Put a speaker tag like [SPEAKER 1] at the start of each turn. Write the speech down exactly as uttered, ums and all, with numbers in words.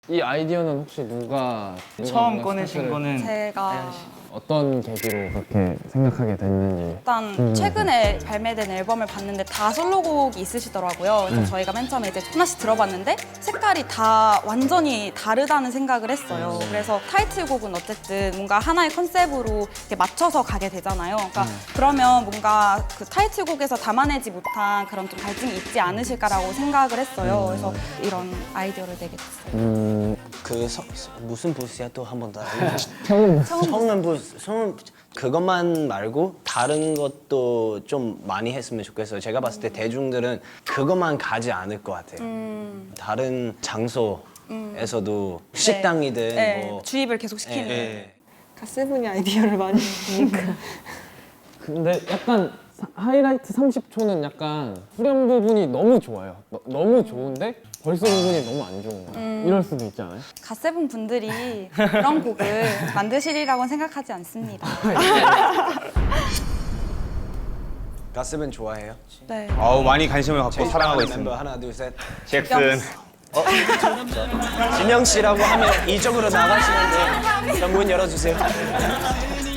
[SPEAKER 1] 이 아이디어는 혹시 누가, 누가
[SPEAKER 2] 처음
[SPEAKER 1] 누가
[SPEAKER 2] 꺼내신
[SPEAKER 1] 스타트를-
[SPEAKER 2] 거는
[SPEAKER 3] 제가
[SPEAKER 1] 어떤 계기로 그렇게 생각하게 됐는지.
[SPEAKER 3] 일단
[SPEAKER 1] 음.
[SPEAKER 3] 최근에 발매된 앨범을 봤는데 다 솔로곡이 있으시더라고요. 그래서
[SPEAKER 1] 음.
[SPEAKER 3] 저희가 맨 처음에 이제 하나씩 들어봤는데 색깔이 다 완전히 다르다는 생각을 했어요. 그래서 타이틀곡은 어쨌든 뭔가 하나의 컨셉으로 이렇게 맞춰서 가게 되잖아요. 그러니까 그러면 뭔가 그 타이틀곡에서 담아내지 못한 그런 좀 갈증이 있지 않으실까라고 생각을 했어요. 그래서 이런 아이디어를 내게 됐어요.
[SPEAKER 1] 음,
[SPEAKER 4] 그 서, 서- 무슨 부스야 또 한 번 더.
[SPEAKER 1] 처음
[SPEAKER 4] 성은 부스, 성은 그것만 말고 다른 것도 좀 많이 했으면 좋겠어요. 제가 봤을 때 대중들은 그것만 가지 않을 것 같아요.
[SPEAKER 3] 음,
[SPEAKER 4] 다른 장소에서도 식당이든
[SPEAKER 3] 네,
[SPEAKER 4] 뭐.
[SPEAKER 3] 주입을 계속 시키는.
[SPEAKER 4] 예.
[SPEAKER 5] 가세븐이 아이디어를 많이 주니까.
[SPEAKER 1] 근데 약간 사- 하이라이트 삼십 초는 약간 후렴 부분이 너무 좋아요. 너, 너무 좋은데 벌써 부분이 너무 안 좋은 거예요.
[SPEAKER 3] 음.
[SPEAKER 1] 이럴 수도 있지 않아요?
[SPEAKER 3] 갓세븐 분들이 그런 곡을 만드시리라고는 생각하지 않습니다.
[SPEAKER 4] 가스벤 좋아해요?
[SPEAKER 3] 네.
[SPEAKER 6] 어우 많이 관심을 갖고 사랑하고
[SPEAKER 4] 멤버
[SPEAKER 6] 있습니다.
[SPEAKER 4] 하나 둘 셋.
[SPEAKER 6] 잭슨.
[SPEAKER 4] 진영 씨라고 하면 이쪽으로 나가시는데 문 열어주세요.